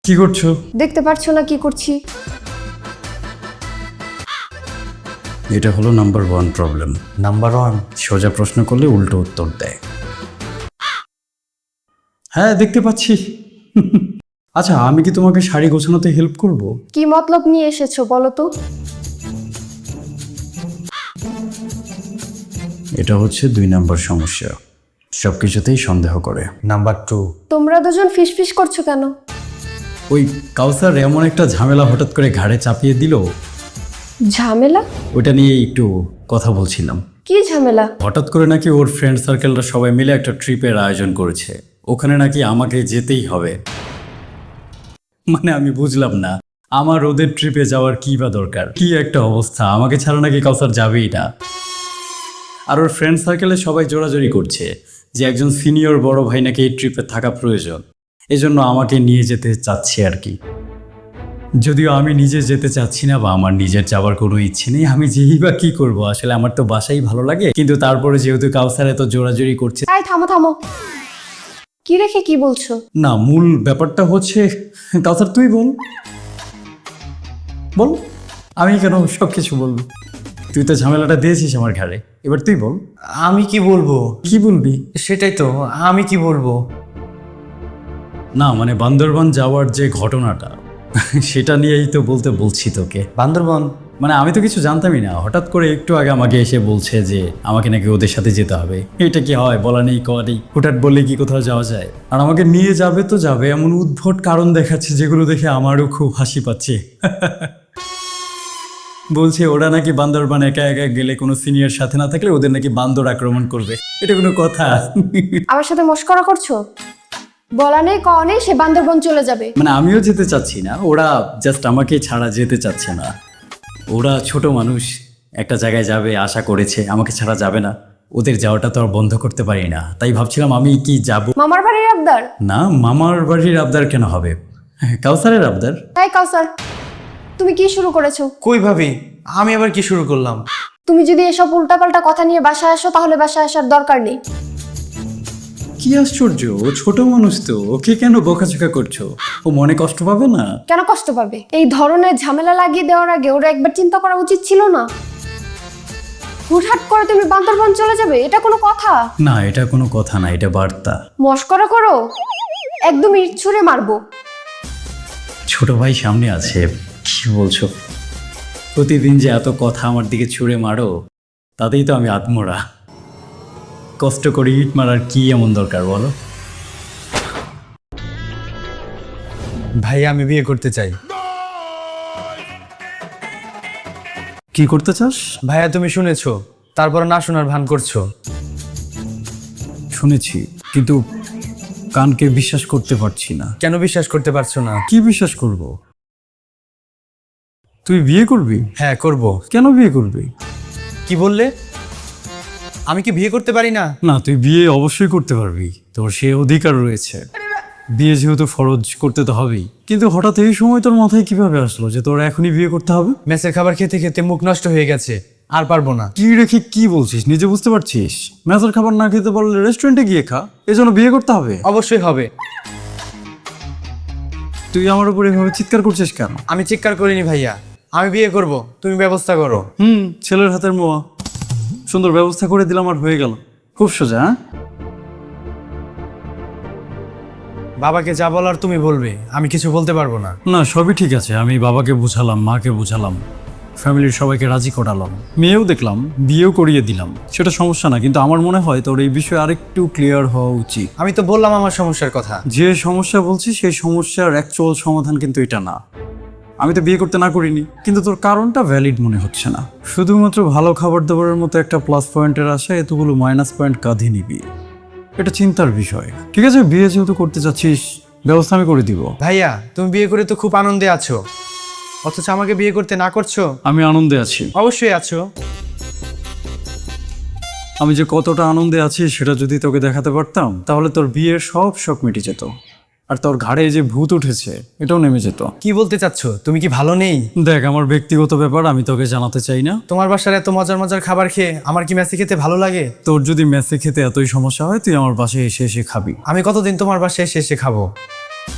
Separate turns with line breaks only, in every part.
কি করছো?
দেখতে পারছো না কি করছি?
এটা হলো নাম্বার 1 প্রবলেম।
নাম্বার 1?
সোজা প্রশ্ন করলে উল্টো উত্তর দেয়। হ্যাঁ, দেখতে পাচ্ছি। আচ্ছা, আমি কি তোমাকে শাড়ি গোছানোতে হেল্প করব?
কি মতলব নিয়ে এসেছো বলো তো?
এটা হচ্ছে 2 নাম্বার সমস্যা, সবকিছুতেই সন্দেহ করে।
নাম্বার 2?
তোমরা দুজন ফিসফিস করছো কেন?
ওই কাউসার এমন একটা ঝামেলা হঠাৎ করে ঘাড়ে চাপিয়ে দিল,
ঝামেলা?
ওটা নিয়ে একটু কথা বলছিলাম।
কি ঝামেলা?
হঠাৎ করে নাকি ওর ফ্রেন্ড সার্কেলরা সবাই মিলে একটা ট্রিপের আয়োজন করেছে, ওখানে নাকি আমাকে যেতেই হবে। মানে আমি বুঝলাম না, আমার ওদের ট্রিপে যাওয়ার কি বা দরকার? কি একটা অবস্থা, আমাকে ছাড়া নাকি কাউসার যাবেই না। আর ওর ফ্রেন্ড সার্কেলে সবাই জোরাজোরি করছে যে একজন সিনিয়র বড় ভাই নাকি এই ট্রিপে থাকা প্রয়োজন, এজন্য আমাকে নিয়ে যেতে চাচ্ছে আর কি। যদিও আমি নিজে যেতে চাচ্ছি না বা আমার নিজের যাওয়ার কোনো ইচ্ছে নেই, আমি যেই বা কি করব, আসলে আমার তো বাসাই ভালো লাগে, কিন্তু তারপরে যেহেতু কাউসার এত জোরাজোরি করছে।
এই থামো থামো, কি রেখে কি বলছো?
না, মূল ব্যাপারটা হচ্ছে, কাউসার তুই বল বল, আমি কেন সব কিছু বলবো? তুই তো ঝামেলাটা দিয়েছিস আমার ঘাড়ে, এবার তুই বল।
আমি কি বলবো?
কি বলবি?
সেটাই তো, আমি কি বলবো?
না মানে বান্দরবান যাওয়ার যে ঘটনাটা, সেটা নিয়েই তো বলছি তোকে।
বান্দরবন?
মানে আমি তো কিছু জানতামই না, হঠাৎ করে একটু আগে আমাকে এসে বলছে যে আমাকে নাকি ওদের সাথে যেতে হবে। এটা কি হয়? বলা নেই কওয়া নেই, হুটহাট বললে কি কোথাও যাওয়া যায়? আর আমাকে নিয়ে যাবে তো যাবে, এমন উদ্ভট কারণ দেখাচ্ছে যেগুলো দেখে আমারও খুব হাসি পাচ্ছে। বলছে ওরা নাকি বান্দরবান একা একা গেলে কোনো সিনিয়র সাথে না থাকলে ওদের নাকি বান্দর আক্রমণ করবে। এটা কোনো কথা?
আমার সাথে মস্করা করছো? বলা নেই কওয়া নেই, সে বান্দরবন চলে যাবে।
মানে আমিও যেতে চাচ্ছি না, ওরা জাস্ট আমাকে ছাড়া যেতে চাচ্ছে না। ওরা ছোট মানুষ, একটা জায়গায় যাবে আশা করেছে, আমাকে ছাড়া যাবে না। ওদের যাওয়াটা তো আর বন্ধ করতে পারি না, তাই ভাবছিলাম আমি কি যাব।
মামার বাড়ির আবদার?
না, মামার বাড়ির আবদার কেন হবে? কাউসারের আবদার।
তাই কাউসার, তুমি কি শুরু করেছো?
কই ভাবি, আমি আবার কি শুরু করলাম?
তুমি যদি এসব উল্টাপাল্টা কথা নিয়ে বাসায় আসো তাহলে বাসায় আসার দরকার নেই।
কি আশ্চর্য, ও ছোট মানুষ তো, ওকে কেন বকাঝকা করছো? ও মনে কষ্ট পাবে না?
কেন কষ্ট পাবে? এই ধরনের ঝামেলা লাগিয়ে দেওয়ার আগে ওরা একবার চিন্তা করা উচিত ছিল না? হুটহাট করে তুমি বান্দরবন চলে যাবে, এটা কোনো কথা?
না, এটা কোনো কথা না, এটা বার্তা।
মস্করা করো, একদম ইট ছুঁড়ে মারবো।
ছোট ভাই সামনে আছে, কি বলছো? প্রতিদিন যে এত কথা আমার দিকে ছুঁড়ে মারো, তাতেই তো আমি আত্মরা। কষ্ট করে ইট মারার কি এমন দরকার বলো?
ভাই আমি বিয়ে করতে চাই।
কি করতে চাস?
ভাইয়া তুমি শুনেছো, তারপর না শোনার ভান করছো।
শুনেছি, কিন্তু কানকে বিশ্বাস করতে পারছি না।
কেন বিশ্বাস করতে পারছো না?
কি বিশ্বাস করব? তুই বিয়ে করবি?
হ্যাঁ করব।
কেন বিয়ে করবি?
কি বললে? আমি কি বিয়ে করতে পারি না?
না, তুই বিয়ে অবশ্যই করতে পারবি, তোর সে অধিকার রয়েছে। বিয়ে যেহেতু ফরজ, করতে তো হবেই। কিন্তু হঠাৎ এই সময় তোর মাথায় কিভাবে আসলো যে তোর এখনই বিয়ে করতে হবে?
মেসের খাবার খেতে খেতে মুখ নষ্ট হয়ে গেছে, আর পারবো না।
কি রেখে কি বলছিস, নিজে বুঝতে পারছিস? মেসের খাবার না খেতে পারলে রেস্টুরেন্টে গিয়ে খা, এজন্য বিয়ে করতে হবে?
অবশ্যই হবে।
তুই আমার উপর এভাবে চিৎকার করছিস কেন?
আমি চিৎকার করিনি ভাইয়া, আমি বিয়ে করব, তুমি ব্যবস্থা করো।
ছেলের হাতের মোয়া, সুন্দর ব্যবস্থা করে দিলাম আর হয়ে গেল। খুব সোজা। হ্যাঁ,
বাবাকে যা বলার তুমি বলবে, আমি কিছু বলতে পারবো না।
না সবই ঠিক আছে, আমি বাবাকে বুঝালাম, মাকে বুঝালাম, ফ্যামিলির সবাইকে রাজি করালাম, মেয়েও দেখলাম, বিয়েও করিয়ে দিলাম, সেটা সমস্যা না। কিন্তু আমার মনে হয় তোর এই বিষয়ে আরেকটু ক্লিয়ার হওয়া উচিত।
আমি তো বললাম আমার সমস্যার কথা।
যে সমস্যা বলছিস সেই সমস্যার অ্যাকচুয়াল সমাধান কিন্তু এটা না। আমি তো বিয়ে করতে না করিনি, কিন্তু তোর কারণটা ভ্যালিড মনে হচ্ছে না। শুধুমাত্র ভালো খাবার দাবারের মতো একটা প্লাস পয়েন্টের আশায় এতগুলো মাইনাস পয়েন্ট কাঁধে নিবি, এটা চিন্তার বিষয়। ঠিক আছে, বিয়ে যেহেতু করতে চাচ্ছিস, ব্যবস্থা আমি করে দিব।
ভাইয়া তুমি বিয়ে করে তো খুব আনন্দে আছো, অথচ আমাকে বিয়ে করতে না করছো।
আমি আনন্দে আছি।
অবশ্যই আছো।
আমি যে কতটা আনন্দে আছি সেটা যদি তোকে দেখাতে পারতাম, তাহলে তোর বিয়ের সব শখ মিটে যেত, আর তোর ঘাড়ে যে ভূত উঠেছে এটাও নেমে যেত।
কি বলতে চাচ্ছো? তুমি কি ভালো নেই?
দেখ, আমার ব্যক্তিগত ব্যাপার, আমি তোকে জানাতে চাই না।
তোমার বাসার এত মজার মজার খাবার খেয়ে আমার কি মেসে খেতে ভালো লাগে?
তোর যদি মেসে খেতে এতই সমস্যা হয়, তুই আমার বাসায় এসে এসে খাবি।
আমি কতদিন তোমার বাসায় এসে এসে খাবো?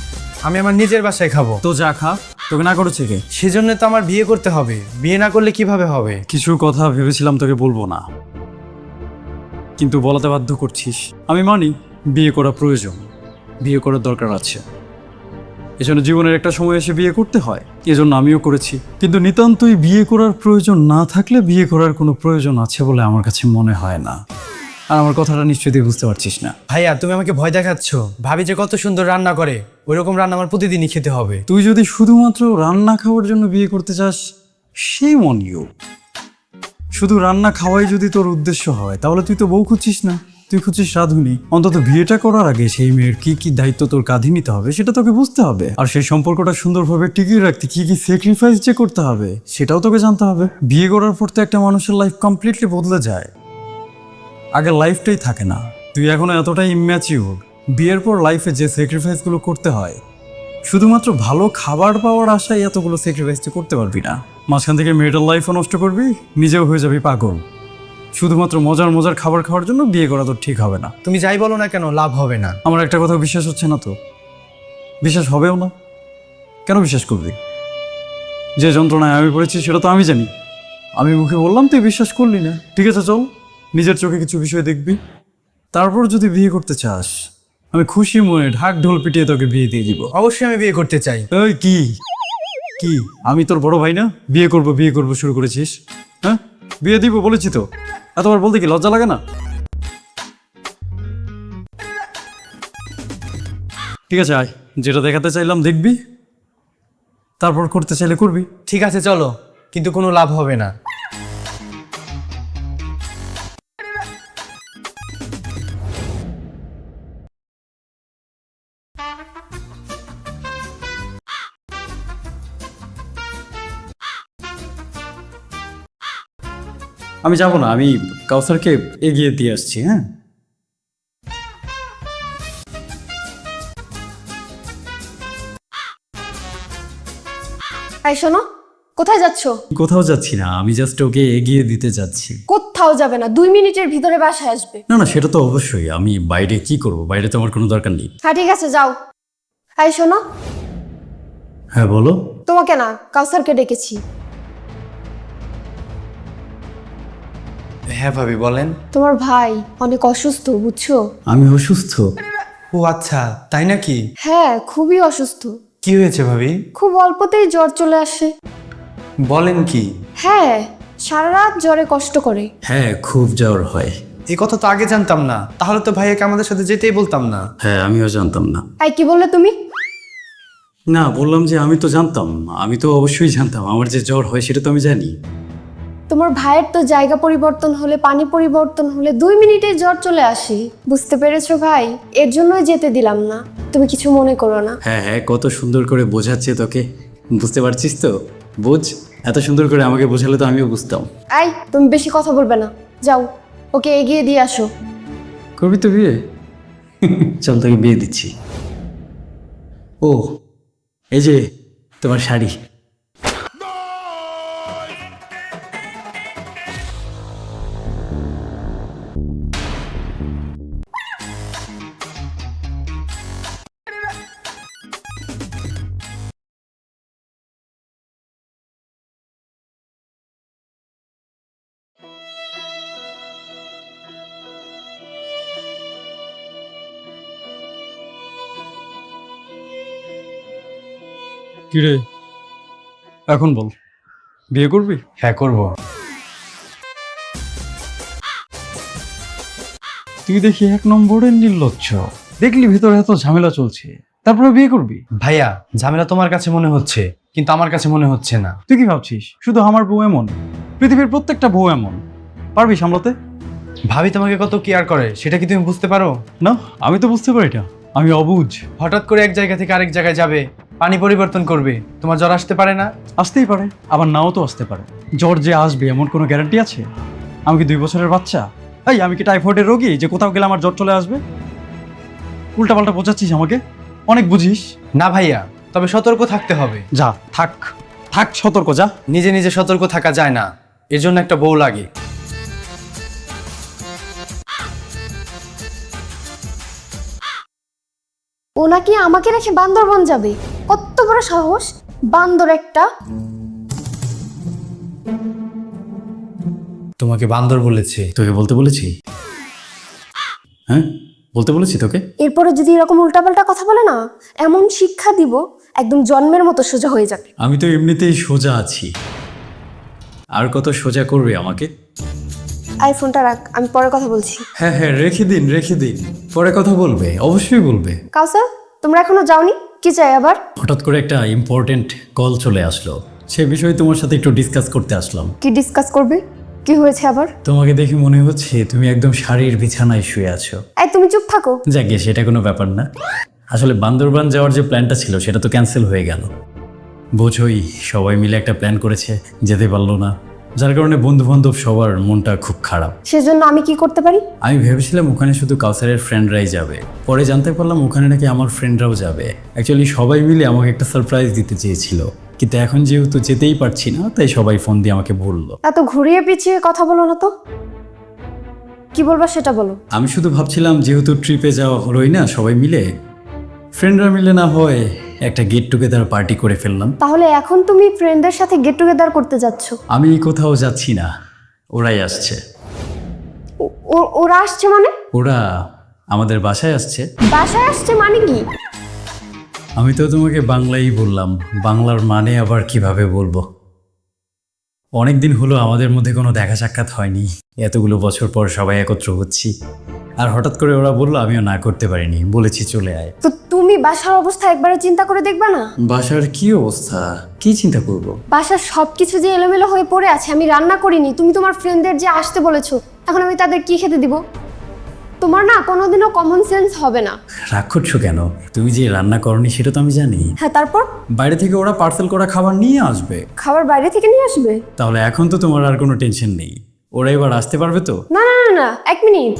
আমি আমার নিজের বাসায় খাবো।
তো যা খা, তোকে না করেছে কে?
সেজন্য তো আমার বিয়ে করতে হবে, বিয়ে না করলে কিভাবে হবে?
কিছু কথা ভেবেছিলাম তোকে বলবো না, কিন্তু বলাতে বাধ্য করছিস। আমি মানি বিয়ে করা প্রয়োজন, বিয়ে করার দরকার আছে, এজন্য জীবনের একটা সময় এসে বিয়ে করতে হয়, এজন্য আমিও করেছি। কিন্তু নিতান্তই বিয়ে করার প্রয়োজন না থাকলে বিয়ে করার কোনো প্রয়োজন আছে বলে আমার কাছে মনে হয় না। আর আমার কথাটা নিশ্চয়ই তুই বুঝতে পারছিস না।
ভাইয়া তুমি আমাকে ভয় দেখাচ্ছ। ভাবি যে কত সুন্দর রান্না করে, ওইরকম রান্না আমার প্রতিদিনই খেতে হবে।
তুই যদি শুধুমাত্র রান্না খাওয়ার জন্য বিয়ে করতে চাস, সেই অন ইউ। শুধু রান্না খাওয়াই যদি তোর উদ্দেশ্য হয়, তাহলে তুই তো বউ খুঁজছিস না, তুই খুঁজছিস রাঁধুনি। অন্তত বিয়েটা করার আগে সেই মেয়ের কি কি দায়িত্ব তোর কাঁধে নিতে হবে সেটা তোকে বুঝতে হবে। আর সেই সম্পর্কটা সুন্দরভাবে টিকিয়ে রাখতে কি কি স্যাক্রিফাইস যে করতে হবে সেটাও তোকে জানতে হবে। বিয়ে করার পর তো একটা মানুষের লাইফ কমপ্লিটলি বদলে যায়, আগের লাইফটাই থাকে না। তুই এখনো এতটাই ইম্যাচিউর, বিয়ের পর লাইফে যে স্যাক্রিফাইসগুলো করতে হয়, শুধুমাত্র ভালো খাবার পাওয়ার আশায় এতগুলো স্যাক্রিফাইস তুই করতে পারবি না। মাঝখান থেকে মেয়েটার লাইফও নষ্ট করবি, নিজেও হয়ে যাবি পাগল। শুধুমাত্র মজার মজার খাবার খাওয়ার জন্য বিয়ে করা তো ঠিক হবে না।
তুমি যাই বলো না কেন, লাভ হবে না।
আমার একটা কথা বিশ্বাস হচ্ছে না তো, বিশ্বাস হবেও না। কেন বিশ্বাস করবি? যে যন্ত্রণায় আমি পড়েছি সেটা তো আমি জানি। আমি মুখে বললাম, তুই বিশ্বাস করলি না। ঠিক আছে, চল নিজের চোখে কিছু বিষয় দেখবি, তারপর যদি বিয়ে করতে চাস আমি খুশি মনে ঢাক ঢোল পিটিয়ে তোকে বিয়ে দিয়ে দিব।
অবশ্যই আমি বিয়ে করতে চাই।
এই কি কি আমি তোর বড় ভাই না? বিয়ে করব শুরু করেছিস? হ্যাঁ, বিয়ে দিব বলেছি তো, এতবার বলতে কি লজ্জা লাগে না? ঠিক আছে, আয়, যেটা দেখাতে চাইলাম দেখবি, তারপর করতে চাইলে করবি।
ঠিক আছে চলো, কিন্তু কোনো লাভ হবে না।
আমি যাবো না, আমি কাউসারকে এগিয়ে দিয়ে আসছি। হ্যাঁ,
এই শোনো, কোথায় যাচ্ছো?
কোথাও যাচ্ছি না, আমি জাস্ট ওকে এগিয়ে দিতে যাচ্ছি।
কোথাও যাবে না, 2 মিনিটের ভিতরে বাসায় আসবে।
না না, সেটা তো অবশ্যই। আমি বাইরে কি করব? বাইরে তো আমার কোনো দরকার নেই।
হ্যাঁ ঠিক আছে, যাও। এই শোনো,
হ্যাঁ বলো।
তোমাকে না, কাউসারকে ডেকেছি।
হ্যাঁ ভাবি বলেন।
তোমার ভাই অনেক অসুস্থ, বুঝছো?
আমি অসুস্থ?
ও আচ্ছা, তাই নাকি?
হ্যাঁ, খুবই অসুস্থ।
কি হয়েছে ভাবি?
খুব অল্পতেই জ্বর চলে আসে।
বলেন কি?
হ্যাঁ, সারা রাত জ্বরে কষ্ট করে।
হ্যাঁ, খুব জ্বর হয়।
এই কথা তো আগে জানতাম না, তাহলে তো ভাইয়াকে আমাদের সাথে যেতেই বলতাম না।
হ্যাঁ, আমিও জানতাম না।
এই কি বললে তুমি?
না, বললাম যে আমি তো জানতাম, আমি তো অবশ্যই জানতাম আমার যে জ্বর হয় সেটা তো আমি জানি।
তোমার ভাইয়ের তো জায়গা পরিবর্তন হলে, পানি পরিবর্তন হলে 2 মিনিটেই জ্বর চলে আসে। বুঝতে পেরেছো ভাই? এর জন্যই যেতে দিলাম না। তুমি কিছু মনে করো না।
হ্যাঁ হ্যাঁ, কত সুন্দর করে বোঝাচ্ছে তোকে, বুঝতে পারছিস তো? বুঝ, এত সুন্দর করে আমাকে বোঝালে তো আমিও বুঝতাম।
এই, তুমি বেশি কথা বলবে না, যাও ওকে এগিয়ে দিয়ে আসো।
করবি তো বিয়ে? চল তোকে বিয়ে দিচ্ছি। ও, এই যে তোমার শাড়ি। কিরে, এখন বল, বিয়ে করবি?
হ্যাঁ করব।
তুই দেখি 1 নম্বরের নির্লজ্জ। দেখলি ভিতরে এত ঝামেলা চলছে, তারপরে বিয়ে করবি?
ভাইয়া, ঝামেলা তোমার কাছে মনে হচ্ছে, কিন্তু আমার কাছে মনে হচ্ছে না।
তুই কি ভাবছিস শুধু আমার বউ এমন? পৃথিবীর প্রত্যেকটা বউ এমন। পারবি সামলাতে?
ভাবি তোমাকে কত কেয়ার করে সেটা কি তুমি বুঝতে পারো?
না, আমি তো বুঝতে পারি না, আমি অবুঝ।
হঠাৎ করে এক জায়গা থেকে আরেক জায়গায় যাবে, পানি পরিবর্তন করবে, তোমার জ্বর আসতে পারে না?
আসতেই পারে, আবার নাও তো আসতে পারে। জ্বর যে আসবে এমন কোনো গ্যারান্টি আছে? আমি কি 2 বছরের বাচ্চা? এই, আমি কি টাইফয়েডের রোগী যে কোথাও গেলে আমার জ্বর চলে আসবে? উল্টাপাল্টা বোঝাচ্ছিস আমাকে, অনেক বুঝিস।
না ভাইয়া, তবে সতর্ক থাকতে হবে।
যা, থাক থাক, সতর্ক যা।
নিজে নিজে সতর্ক থাকা যায় না, এর জন্য একটা বউ লাগে।
ও নাকি আমাকে রেখে বান্দরবন যাবে? কত বড় সাহস! বান্দর একটা।
তোমাকে বান্দর বলেছে?
তোকে বলতে বলেছি? হ্যাঁ, বলতে বলেছি তোকে?
এরপরে যদি এরকম উল্টাপাল্টা কথা বলে না, এমন শিক্ষা দিব একদম জন্মের মতো সোজা হয়ে যাবে।
আমি তো এমনিতেই সোজা আছি, আর কত সোজা করবে আমাকে?
আইফোনটা রাখ, আমি পরে কথা বলছি।
হ্যাঁ হ্যাঁ, রেখে দিন রেখে দিন, পরে কথা বলবে, অবশ্যই বলবে।
কাউসার, তোমরা এখনো যাওনি? কি চাই আবার?
হঠাৎ করে একটা ইম্পর্টেন্ট কল চলে আসলো, সে বিষয়ে তোমার সাথে একটু ডিসকাস করতে আসলাম।
কি ডিসকাস করবে? কি হয়েছে আবার?
তোমাকে দেখে মনে হচ্ছে তুমি একদম শাড়ির বিছানায় শুয়ে আছো।
এই তুমি চুপ থাকো।
যাকে সেটা কোনো ব্যাপার না। আসলে বান্দরবান যাওয়ার যে প্ল্যানটা ছিল সেটা তো ক্যান্সেল হয়ে গেল। বোঝোই, সবাই মিলে একটা প্ল্যান করেছে, যেতে পারলো না, যার কারণে বন্ধু বান্ধব সবার মনটা খুব খারাপ।
সেজন্য আমি কি করতে পারি?
আমি ভেবেছিলাম ওখানে শুধু কাউসারের ফ্রেন্ডরাই যাবে, পরে জানতে পারলাম ওখানে নাকি আমার ফ্রেন্ডরাও যাবে। অ্যাকচুয়ালি সবাই মিলে আমাকে একটা সারপ্রাইজ দিতে চেয়েছিল, কিন্তু এখন যেহেতু যেতেই পারছি না, তাই সবাই ফোন দিয়ে আমাকে বললো।
এত ঘুরিয়ে পিছিয়ে কথা বলো না তো, কি বলবা সেটা বলো।
আমি শুধু ভাবছিলাম যেহেতু ট্রিপে যাওয়া হলোই না সবাই মিলে, ফ্রেন্ডরা মিলে না হয় একটা গেট টুগেদার পার্টি করে ফেললাম।
তাহলে এখন তুমি ফ্রেন্ডদের সাথে গেট টুগেদার করতে যাচ্ছ?
আমি কোথাও যাচ্ছি না, ওরাই আসছে।
ওরা আসছে মানে?
ওরা আমাদের বাসায় আসছে।
বাসায় আসছে মানে কি?
আমি তো তোমাকে বাংলাই বললাম, বাংলার মানে আবার কিভাবে বলবো? অনেকদিন হলো আমাদের মধ্যে কোনো দেখা সাক্ষাৎ হয়নি, এতগুলো বছর পর সবাই একত্র হচ্ছি, আর হঠাৎ করে ওরা বললো, আমিও না করতে পারিনি, বলেছি চলে আয়।
তো তুমি বাসার অবস্থা একবারে চিন্তা করে দেখবা না?
বাসার কি অবস্থা, কি চিন্তা করব?
বাসার সবকিছু যে এলোমেলো হয়ে পড়ে আছে, আমি রান্না করিনি, তুমি তোমার ফ্রেন্ডদের যে আসতে বলেছো, এখন আমি তাদের কি খেতে দিব? তোমার না কোনোদিনও কমন সেন্স হবে না।
রাগ করছো কেন? তুমি যে রান্না করনি সেটা তো আমি জানি।
হ্যাঁ, তারপর?
বাইরে থেকে ওরা পার্সেল করা খাবার নিয়ে আসবে।
খাবার বাইরে থেকে নিয়ে আসবে?
তাহলে এখন তো তোমার আর কোনো টেনশন নেই, ওরা এবার আসতে পারবে তো?
না না না না, এক মিনিট।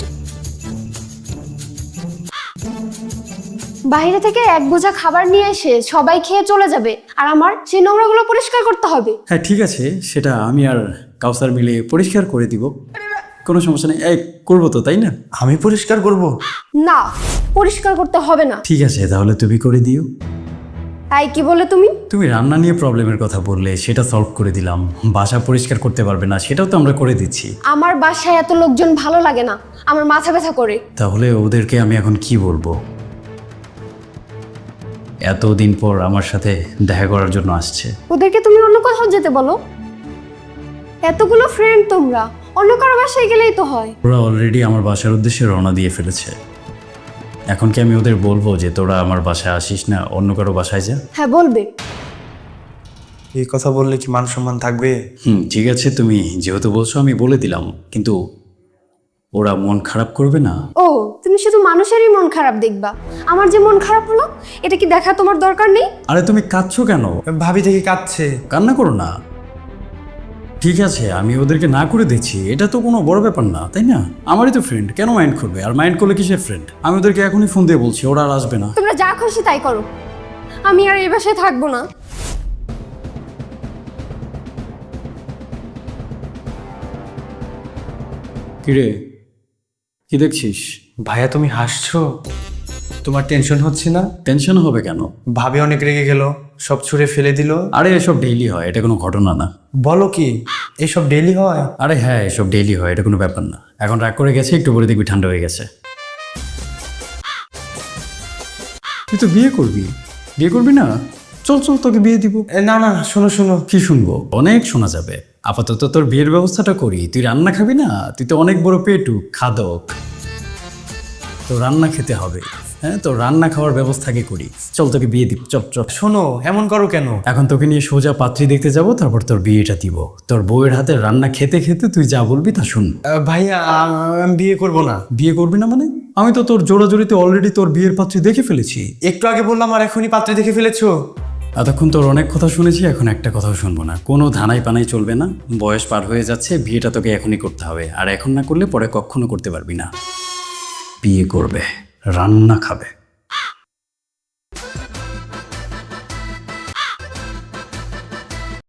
বাইরে থেকে এক বোঝা খাবার নিয়ে এসে সবাই খেয়ে চলে যাবে, আর আমার সেই নোংরাগুলো পরিষ্কার করতে হবে।
হ্যাঁ ঠিক আছে, সেটা আমি আর কাউসার মিলে পরিষ্কার করে দিব, কোনো সমস্যা নেই। এই করবো তো, তাই না?
আমি পরিষ্কার করব?
না, পরিষ্কার করতে হবে না।
ঠিক আছে, তাহলে তুমি করে দিও।
তাই কি বলে তুমি?
তুমি রান্না নিয়ে প্রবলেমের কথা বললে, সেটা সলভ করে দিলাম। বাসা পরিষ্কার করতে পারবে না, সেটাও তো আমরা করে দিচ্ছি।
আমার বাসায় এত লোকজন ভালো লাগে না, আমার মাথা ব্যথা করে।
তাহলে ওদেরকে আমি এখন কি বলবো? এতদিন পর আমার সাথে দেখা করার জন্য আসছে।
ওদেরকে তুমি অন্য কোথাও যেতে বলো। এতগুলো ফ্রেন্ড তোমরা, অন্য কারো বাসায় গেলেই তো হয়।
ওরা অলরেডি আমার বাসার উদ্দেশ্যে রওনা দিয়ে ফেলেছে। এখন কি আমি ওদের বলবো যে তোরা আমার বাসায় আসিস না, অন্য কারো বাসায় যা?
হ্যাঁ, বলবে।
এই কথা বললে কি মান সম্মান থাকবে?
ঠিক আছে, তুমি যেহেতু বলছো আমি বলে দিলাম, কিন্তু ওরা মন খারাপ করবে না?
ও, তুমি শুধু মানুষেরই মন খারাপ দেখবা, আমার যে মন খারাপ হলো এটা কি দেখা তোমার দরকার নেই?
আরে তুমি কাঁদছো কেন?
ভাবি থেকে কাঁদছে।
কান্না করো না। ঠিক আছে, আমি ওদেরকে না করে দিচ্ছি, এটা তো কোনো বড় ব্যাপার না, তাই না? আমারই তো ফ্রেন্ড, কেন মাইন্ড করবে? আর মাইন্ড করলে কিসের ফ্রেন্ড? আমি ওদেরকে এখনই ফোন দিয়ে বলছি, ওরা আর আসবে না।
তোমরা যা খুশি তাই করো, আমি আর এই বাসায় থাকবো না।
কিরে, কি দেখছিস?
ভাইয়া তুমি হাসছো? তোমার টেনশন হচ্ছে না?
টেনশন হবে কেন?
ভাবি অনেক রেগে গেল, সব ছুঁড়ে ফেলে দিল।
আরে এসব ডেইলি হয়, এটা কোনো ঘটনা না।
বলো কি, এইসব ডেইলি হয়?
আরে হ্যাঁ, এসব ডেইলি হয়, এটা কোনো ব্যাপার না। এখন রাগ করে গেছে, একটু পরে দেখবি ঠান্ডা হয়ে গেছে। তুই তো বিয়ে করবি, বিয়ে করবি না? চল চল, তোকে বিয়ে দিব।
না না, শোনো শোনো।
কি শুনবো? অনেক শোনা যাবে। আপাতত তোর বিয়ের ব্যবস্থাটা করি। তুই রান্না খাবি না? তুই তো অনেক বড় পেটু খাদক, তো রান্না খেতে হবে। হ্যাঁ, তো রান্না খাওয়ার ব্যবস্থা আগে করি। চল তোকে বিয়ে দিব, চল চল।
শোনো, এমন করো কেন?
এখন তোকে নিয়ে সোজা পাত্রী দেখতে যাব, তারপর তোর বিয়েটা দিব। তোর বউয়ের হাতে রান্না খেতে খেতে তুই যা বলবি তা শুন।
ভাইয়া আমি বিয়ে করব না।
বিয়ে করবি না মানে? আমি তো তোর জোড়াজোড়িতে অলরেডি তোর বিয়ের পাত্রী দেখে ফেলেছি।
একটু আগে বললাম আর এখনই পাত্রে দেখে ফেলেছো?
এতক্ষণ তোর অনেক কথা শুনেছি, এখন একটা কথাও শুনবো না। কোনো ধানাই পানাই চলবে না। বয়স পার হয়ে যাচ্ছে, বিয়েটা তোকে এখনই করতে হবে, আর এখন না করলে পরে কখনো করতে পারবি না। বিয়ে করবে, রান্না খাবে।